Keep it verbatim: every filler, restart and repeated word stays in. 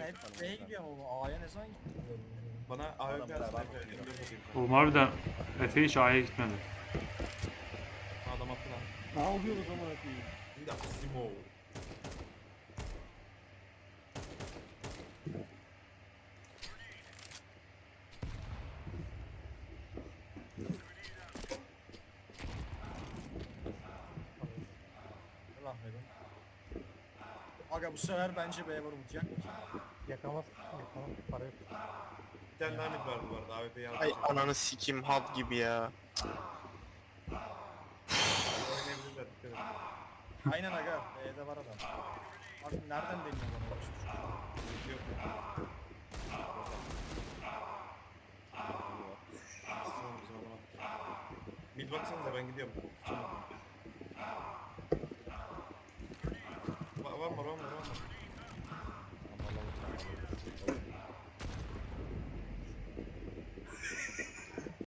hep B'ye gidiyor ama A'ya ne zaman gidiyor? Bana A W P Adam atsın beraber Efe. bakıyor. M dört atayım. Oğlum harbiden Efe hiç A'ya gitmedi. Adam attı lan. Ne yapıyoruz amına koyayım? Şimdi Simo. Allah verin. Aga bu sefer bence B'ye vurur yak. Yakamaz. Yakamaz. Para yok. Bir tane daha mid vardı bu arada. A W P'yi aldı. Ay ananı sikim hub gibi ya. Oynayabilirler. Dikkat edin. Aynen aga B'de var adam. Abi nereden deniyor bana? Yok. Simo bizim adam attı. Mid baksanıza ben gidiyorum. Va- Var mı var mı var mı?